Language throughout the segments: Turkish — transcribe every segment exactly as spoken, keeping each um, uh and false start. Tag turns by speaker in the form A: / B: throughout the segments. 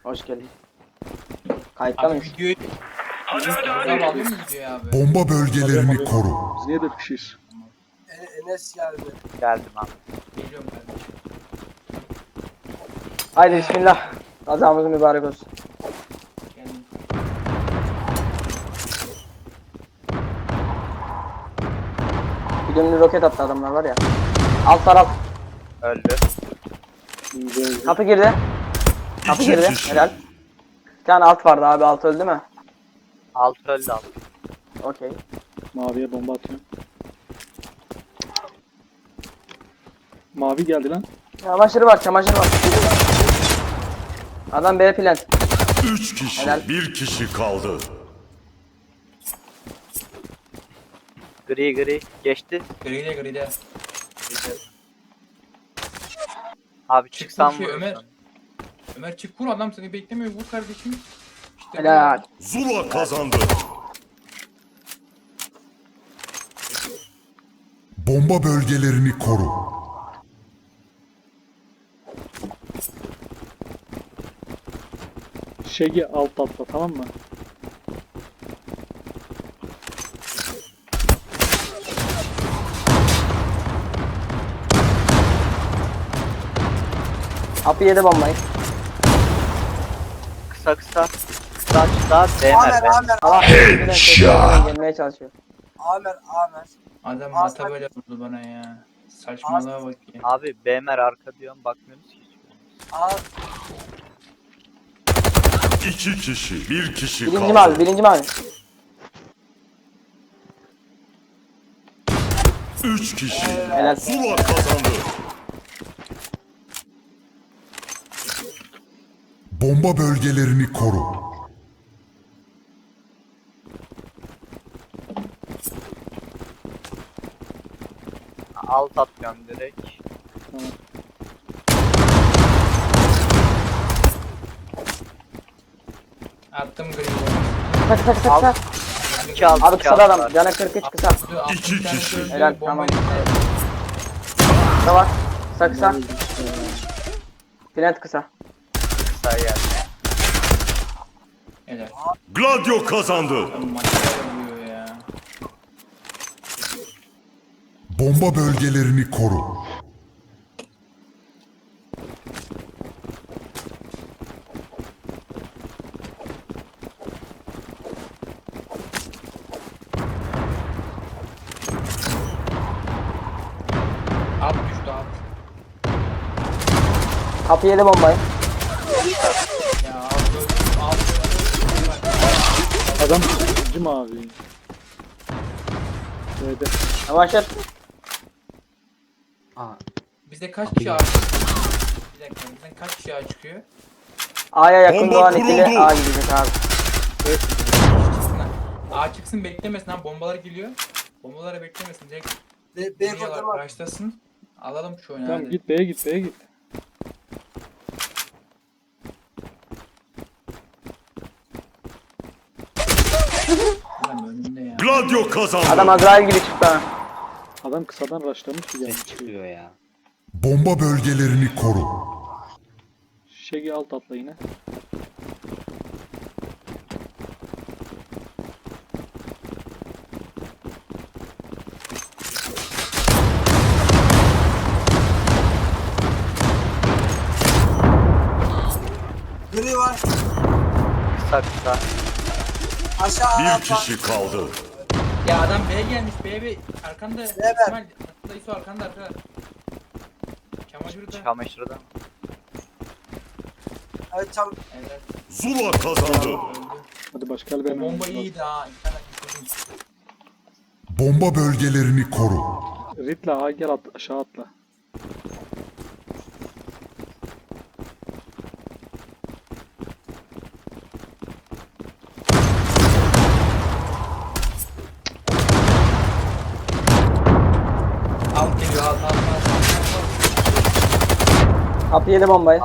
A: Hoş geldin. Kayıtta
B: Abi
A: mıyız?
B: videoyu... Hadi hadi hadi. Alıyor mu videoyu abi?
C: Bomba bölgelerini koru.
D: Biz niye dört kişiyiz?
E: E- Enes geldi.
F: Geldim abi.
B: Geliyorum kardeşim.
A: Haydi bismillah. Kazamız mübarek olsun.
B: Geldim.
A: Bir dönümlü roket attı adamlar var ya. Alt taraf.
F: Öldü.
D: İnce öldü.
A: Kapı girdi. Kapı
C: İki
A: girdi.
C: kişi.
A: Helal. Bir tane alt vardı abi. Alt öldü mü?
F: Alt öldü alt.
A: Okey.
D: Maviye bomba atıyorum. Mavi geldi lan.
A: Çamaşırı var. Çamaşırı var. Adam B plant.
C: Üç kişi,
A: Helal.
C: bir kişi kaldı.
F: Gri gri. Geçti.
B: Gride gride.
F: Abi
B: Çık
F: çıksam
B: vur şey,
F: vurursun.
B: Ömer. Ömer çık vur, adam seni beklemiyor, vur kardeşim. İşte
A: Helal.
C: Zula kazandı. Bomba bölgelerini koru.
D: Şegi alt atla, tamam mı?
A: Kapı yedi bombayı.
F: Kısa kısa. Kısa açıda değmer
E: Amer,
F: be.
E: Amer,
A: Allah
C: Headshot.
A: gelmeye çalışıyor.
E: Amer, Amer.
B: Adam
E: Aa,
B: mata
E: sen-
B: böyle vurdu bana ya. Saçmalığa bak ya.
F: Abi B'mer arka diyorum bakmıyorsunuz ki.
E: Aa,
C: İki kişi, bir kişi
A: Birinci
C: kaldı.
A: mavi. Birinci mavi.
C: Üç kişi.
A: Helal.
C: Zula kazandı. Bomba bölgelerini koru.
F: Alt atıyorum direkt.
B: Attım gride.
A: Kısa kısa kısa kısa.
F: İki alt
A: Abi
F: iki
A: kısa
F: alt
A: da adam.
F: var.
A: Canı kırk üç kısa.
C: İki kişi.
A: Helal tamam. Kısa var. Kısa kısa. Plant kısa.
F: Kısa geldi.
B: Helal.
C: Gladio kazandı.
B: Adam mata vuruyor ya.
C: Bomba bölgelerini koru.
B: Alt düştü alt.
A: Kapı yedi bombayı.
B: Ya alt öldü. Alt öldü.
D: Adam ikinci mavi. B'de.
A: Çamaşır.
B: Bizde kaç kişi ağ çıkıyor? Bir dakika, bizden kaç kişi ağ çıkıyor?
A: A'ya yakın
C: Bomba
A: doğan ikili
C: kuruldu.
A: A gidecek abi.
B: Çıksın lan. A çıksın, beklemesin lan, bombalar geliyor. Bombaları beklemesin, direkt
E: B, B
B: geliyorlar,
E: kocaman.
B: başlasın. Alalım şu oyunu
D: Tamam
B: hadi.
D: git B'ye git B'ye git.
B: Adam önünde ya.
C: Gladio kazandı.
A: Adam Azrail gibi çıktı ha.
D: Adam kısadan rushlamış ki gelmiş.
F: Çıkıyor ya.
C: Bomba bölgelerini koru.
D: Şegi alt atla yine.
E: Gri var.
F: Kısa kısa.
E: Aşağı
C: Bir
E: atla.
C: kişi kaldı.
B: Ya adam B'ye gelmiş, B'ye bir arkanda.
E: ver.
B: İsmail, arkanda İso, arkanda arkada. Çamaşırı da.
F: Çamaşırda.
E: Evet, çabuk.
B: Evet,
C: Zula kazandı.
B: öldü.
D: Hadi başka bir
B: O bomba iyiydi ha. İnternet istedim.
C: Bomba bölgelerini koru.
D: Ritla ha gel at, aşağı atla.
B: Alt geliyor, alt alt alt.
A: Kapı yedi bombayı.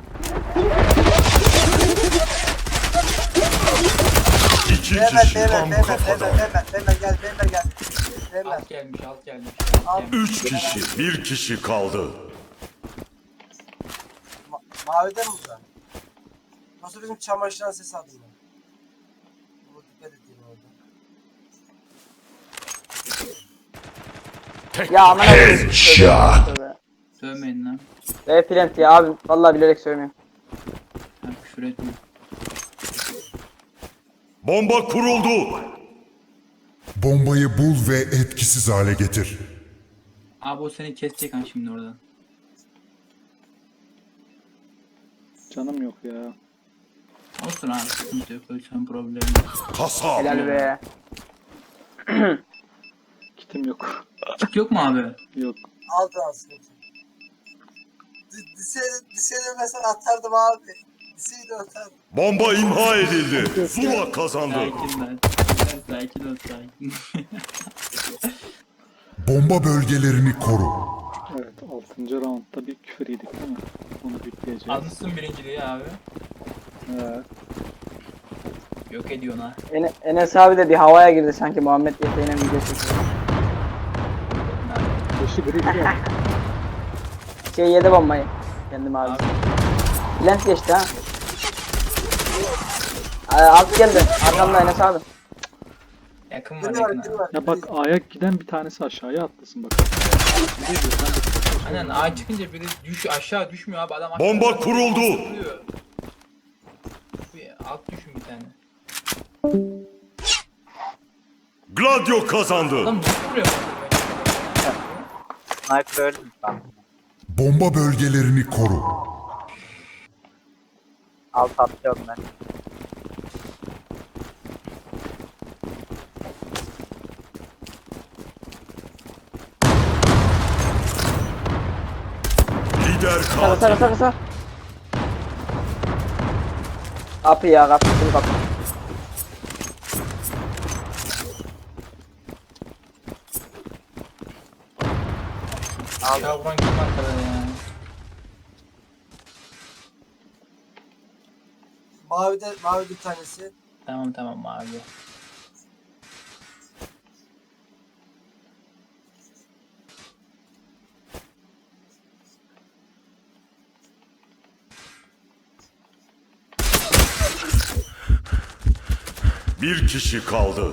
C: İki
E: Beyler,
C: kişi
E: beyler,
C: tam
E: beyler,
C: kafadan.
E: beyler, beyler, beyler, gel, beyler, gel. Beyler.
B: Alt gelmiş, alt gelmiş.
E: Alt.
B: Alt gelmiş.
C: Üç kişi, bir kişi kaldı.
E: Ma- Mavide mi bu da? Nasıl bizim çamaşırdan ses aldım ben. Bu dikkat edeyim orada.
A: Ya aman abi.
B: Sövmeyin lan.
A: Ve plant ya abi. Vallahi bilerek söylemiyorum.
B: Ha, küfür etme.
C: Bomba kuruldu. Bombayı bul ve etkisiz hale getir.
B: Abi o seni kesecek han şimdi oradan.
D: Canım yok ya.
B: Olsun abi sıkıntı yok. Ölçen problemi.
C: Kasap.
A: Helal be.
D: Kitim yok.
B: Kit yok mu abi?
D: Yok.
E: Aldı aslında. Diseyde mesela atardım abi. Diseyde atardım.
C: Bomba imha edildi. Zula kazandı.
B: Sakin lan. Sakin ol sakin.
C: Bomba bölgelerini koru.
D: Evet altıncı roundda bir küfür yedik değil mi? Onu bitleyeceğiz.
B: Almışsın birinciliği abi.
D: He.
B: Yok ediyorsun ha.
A: En Enes abi de bir havaya girdi sanki Muhammed yeteğine video çekiyor.
D: Beşi gri biliyor.
A: Şey yedi bombayı. Kendim abi.
B: Abi.
A: Plant geçti ha. Aa, alt geldi. Arkamda Enes abi.
B: Yakın var
E: Biri
B: yakın
E: var, biri
B: abi.
E: var.
D: Ya bak ayak giden bir tanesi aşağıya atlasın bak.
B: Aynen A çıkınca biri düş aşağı düşmüyor abi adam aşağı.
C: Bomba kuruldu.
B: Duruyor. Bir alt düşün bir tane.
C: Gladio kazandı.
B: Adam nasıl vuruyor?
F: Sniper öldüm ben.
C: Bomba bölgelerini koru.
F: Alt atlıyorum ben.
C: Lider
A: Kısa kısa
C: katil.
A: kısa kısa. Kapı ya kapı. Şunu kapı.
B: Aşağı vuran kim arkada ya?
E: Mavide, mavide bir tanesi.
B: Tamam tamam abi.
C: Bir kişi kaldı.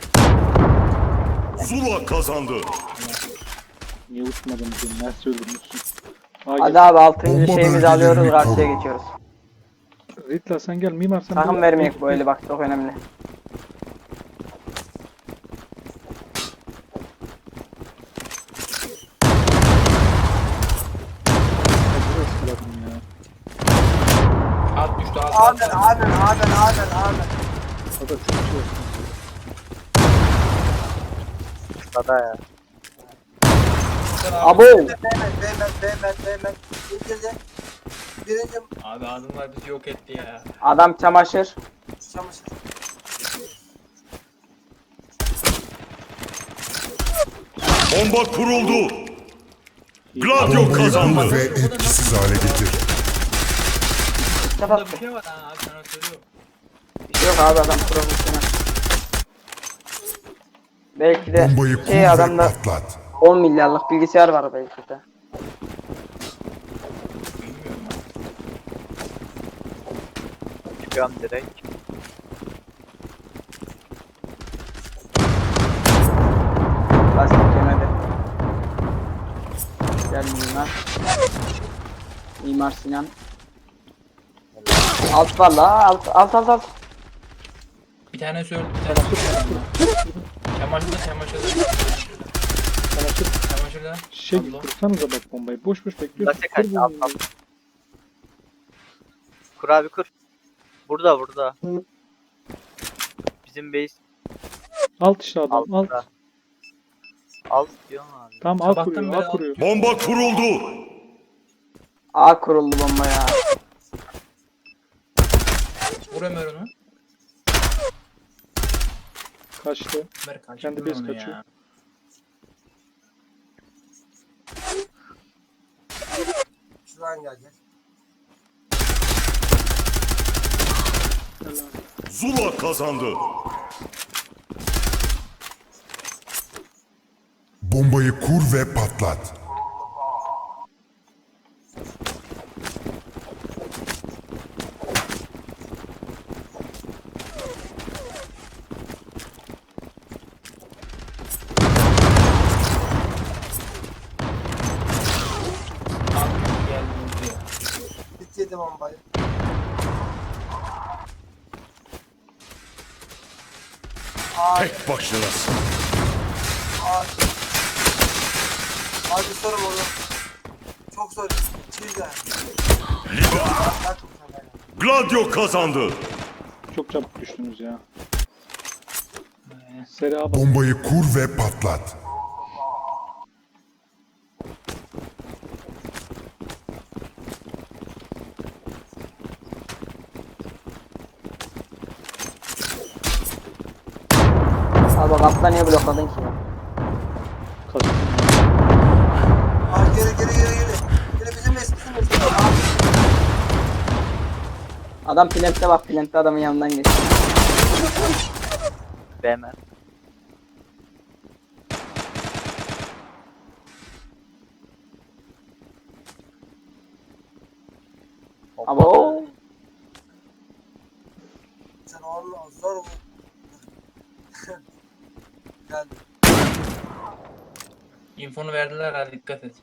C: Zula kazandı.
D: Niye uçmadın diye. Nerede öldürmüşsün?
A: Hadi abi altıncı
C: Bomba
A: şeyimizi alıyoruz.
C: bölgelerini
A: Karşıya
C: koru.
A: geçiyoruz.
D: Ritla sen gel mimar sen.
A: Sakın
D: böyle-
A: vermeyek bu eli bak çok önemli.
D: Acı ıskaladım ya.
B: Alt düştü alt alt.
E: Amen, amen, amen, amen, amen.
D: O da çok şey olsun.
F: Kısada ya.
A: Abo.
E: Beymen, beymen, beymen, beymen. İndirdi. Birinci
B: Abi adımlar bizi yok etti ya.
A: Adam çamaşır.
E: çamaşır.
C: Bomba kuruldu. Gladio Bombayı bul kazandı. ve etkisiz hale getir.
B: Burada
A: Kapat.
B: bir şey var ha abi sana söylüyorum.
A: Bir şey yok abi adam profesyonel. Belki de
C: Bombayı kur
A: şey
C: ve
A: adamda
C: patlat.
A: on milyarlık bilgisayar var belki de.
B: Bilmiyorum ben.
F: Çıkıyorum direkt.
A: Lastik yemedi. Gel mimar. Mimar Sinan. Alt var la alt alt alt alt.
B: Bir tane söyle bir tane söyle. Çamaşırda çamaşırda.
D: Çamaşır.
B: Çamaşırda.
D: Şey
B: Allah.
D: kursanıza bak bombayı. Boş boş bekliyorsun.
F: Nasıl
D: Kur
F: kaçtı alt
D: bombayı.
F: alt. Kur abi kur. Burada burada. Bizim base
D: Alt işte adam. Alt.
F: altta. Alt diyorum abi.
D: Tam alt
B: Sabahtan
D: kuruyor.
B: beri
D: Alt
B: alt-
D: kuruyor.
C: Bomba kuruldu.
A: A kuruldu bomba ya.
B: Vur Ömer onu.
D: Kaçtı.
B: Ömer kaçtı
D: Kendi
B: onu
D: base
B: ya.
D: kaçıyor.
E: Şuradan gelecek.
C: Zula kazandı. Bombayı kur ve patlat.
E: Attı bombayı. Aa,
C: Tek başınasın.
E: aa. Hadi sorun onu. Çok zor. Güzel.
C: Lider.
E: Bak bu sefer.
C: Gladio kazandı.
D: Çok çabuk düştünüz ya. Seri A bas.
G: Bombayı kur ve patlat.
A: Abi bak atla niye blokladın ki ya?
D: Kaçtım.
E: Aa, geri geri geri geri. Geri bizim mes bizim mes. Aa,
A: Adam plantte bak, plantte adamın yanından geçti.
F: B M.
A: Abo.
E: sen onu zor bu. Geldi.
B: Infonu verdiler ha, dikkat et.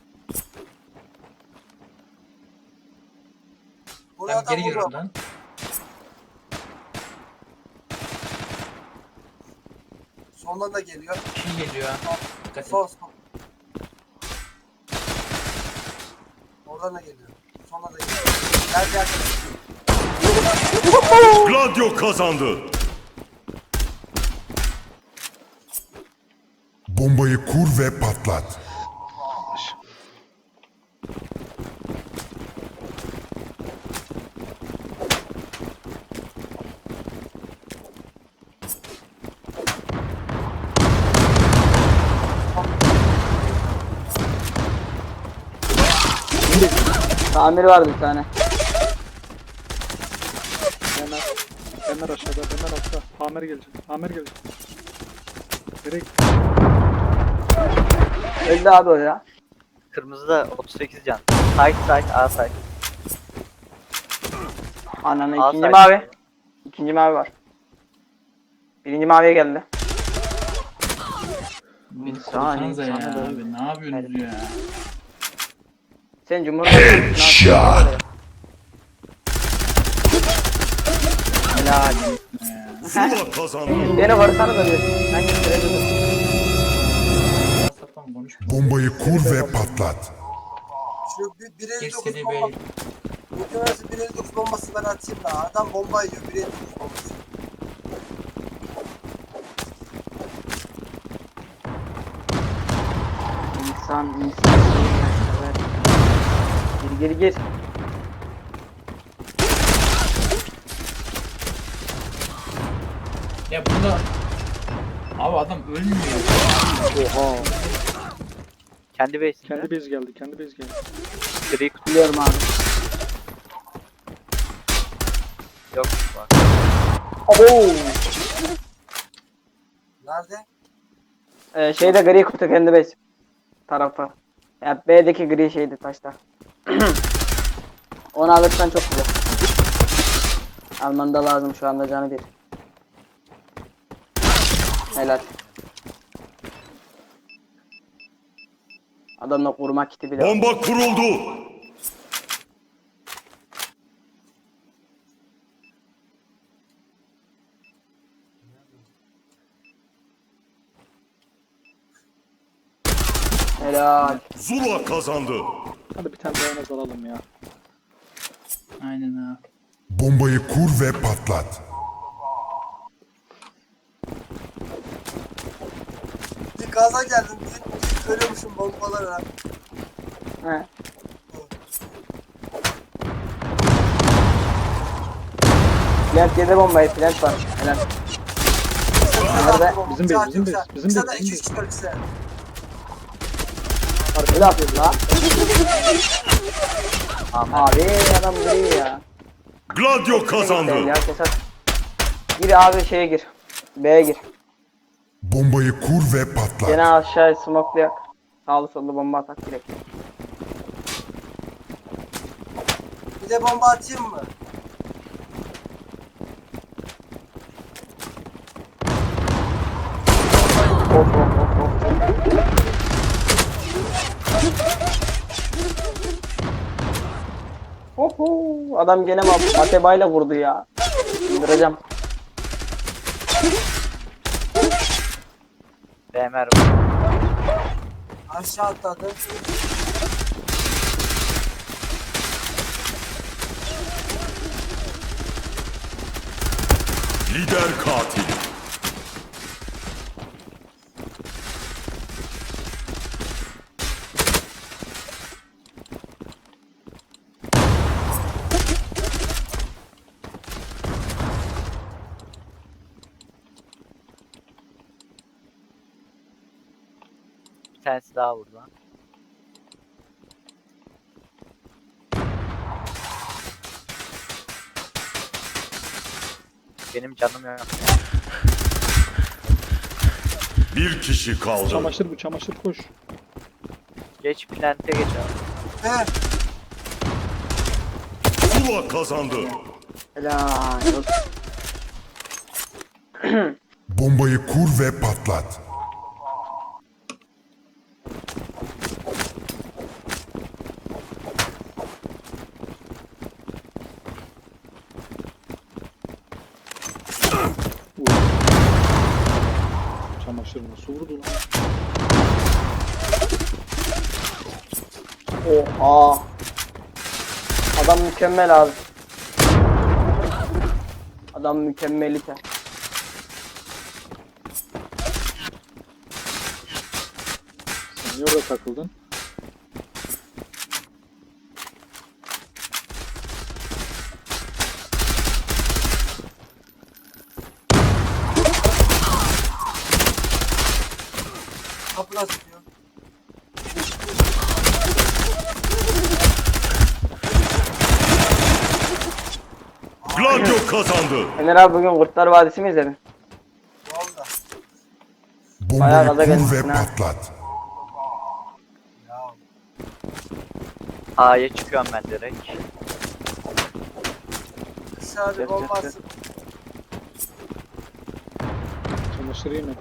E: Buraya
B: Tamam,
E: adam
B: geri gir
E: vurma.
B: oradan.
E: Sondan da geliyor.
B: Bir şey geliyor ha. Dikkat et.
E: Sol sol. Oradan da geliyor. Sondan da geliyor. Gel gel.
C: Gladio kazandı.
G: Bombayı kur ve patlat.
A: Tamir vardı bir tane.
D: Hemen. Hemen aşağıda. Hemen altta. Amer gelecek. Amer gelecek. Direkt.
A: Öldü abi o ya.
F: Kırmızıda otuz sekiz can. Side side A side.
A: Ananı
F: A
A: ikinci
F: side.
A: mavi. İkinci mavi var. Birinci maviye geldi.
B: Beni
A: saniye,
B: korusanıza ya
A: sana
B: abi. Ne yapıyorsunuz ya?
A: Sen Cumhurbaşkanı
G: Headshot.
A: Helal.
C: Zula kazandı.
A: Beni vursanız da diyorsun. Ben getirebilirim.
B: Sapan konuşma.
G: Bombayı kur ve patlat.
E: Şu bir, bir elli
B: Geç
E: dokuz
B: seri
E: bomba.
B: bey.
E: Muhtemelen bir elli dokuz bombası ben atayım da. Adam bomba yiyor. bir elli dokuz bombası.
A: İnsan insan. Evet. Gir gir gir.
B: Ya bunda... Abi adam ölmüyor.
D: Oha.
F: Kendi base'inde.
D: Kendi bez geldi. Kendi bez geldi.
F: Gri kutu
A: Biliyorum abi.
F: yok. Bak.
A: Abo.
E: Nerede?
A: Ee, şeyde gri kutu kendi base tarafı. Ya B'deki gri şeydi taşta. Onu alırsan çok güzel. Alman da lazım şu anda canı bir. Helal. Adamla kurma kiti bile var.
C: Bomba kuruldu.
A: Helal.
C: Zula kazandı.
D: Hadi bir tane daha en az alalım ya.
B: Aynen ha.
G: Bombayı kur ve patlat.
E: Bir gaza geldim. Bir, bir görüyormuşum bombaları.
A: He. Plant yedi bombayı, plant var. Helal. Nerede?
D: Bizim base, bizim base, bizim
E: Bize de
D: base,
E: iki
D: bizim
E: üç çıkar bize.
A: Ne yapıyorsun la? Abi adam gri ya.
C: Gladio kazandı.
A: Ya kesat. Gir abi şeye gir. B'ye gir.
G: Bombayı kur ve patlat.
A: Gene aşağıya smokelayak. Sağlı sollu bomba atak direkt.
E: Bir de bomba atayım mı?
A: Of of of of. Oho. adam gene ma- matebayla vurdu ya. Öldüreceğim.
F: B M R.
E: Aşağı atladı.
C: Lider katil.
F: Bir tanesi daha vurdu lan. Benim canım yok.
C: Bir kişi kaldı.
D: Çamaşır bu çamaşır koş.
F: Geç plante geç abi.
E: He.
C: Zula kazandı.
A: Helal olsun.
G: Bombayı kur ve patlat.
D: Çamaşır nasıl vurdu lan?
A: Oha. Adam mükemmel abi. Adam mükemmelite.
D: Sen niye orada takıldın?
E: Kapılar tutuyor.
C: Gladio kazandı.
A: Ener abi bugün Kurtlar Vadisi mi izledin?
E: Valla.
A: Bayağı
G: Bombayı
A: gaza
G: kur ve
A: gelmişsin ha.
G: patlat.
E: Ya.
F: A'ya çıkıyorum ben direkt.
E: Dışarıda bomba atsın.
D: Çamaşır yemedi.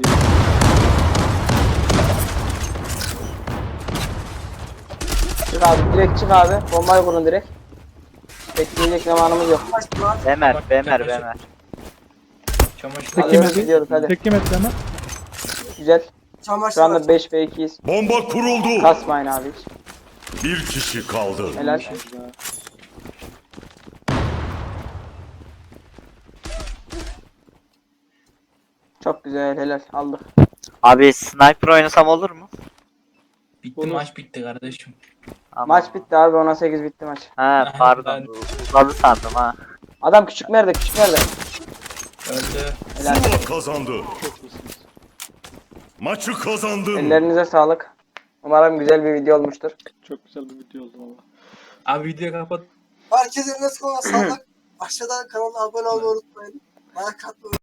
A: Çık abi direkt çık abi. Bombayı kurun direkt. Bekleyecek zamanımız yok.
E: Baş lan.
F: B M R, B M R, B M R.
B: Çamaşır.
D: Tek
A: Hadi
D: yemedi.
A: gidiyoruz, hadi.
D: Tek yemedi hemen.
A: Güzel.
E: Çamaşır
A: Şu anda
E: aç.
A: beş ve ikiyiz.
C: Bomba kuruldu.
A: Kasmayın abi hiç.
C: Bir kişi kaldı.
A: Helal.
D: Güzel.
A: Çok güzel helal. Aldık.
F: Abi sniper oynasam olur mu?
B: Bitti
D: Olur.
B: maç bitti kardeşim.
F: Ama...
A: Maç bitti abi. ona sekiz bitti maç.
F: Ha pardon. Uzadı sandım ha.
A: Adam küçük nerede? Küçük nerede?
B: Öldü.
A: Helal.
C: Zula kazandı.
D: Çok iyisiniz.
C: Maçı kazandın.
A: Ellerinize sağlık. Umarım güzel bir video olmuştur.
D: Çok güzel bir video oldu valla.
B: Abi videoyu kapat.
E: Herkese nasıl kolay sağlık. Aşağıdan kanala abone olmayı unutmayın. Like atmayı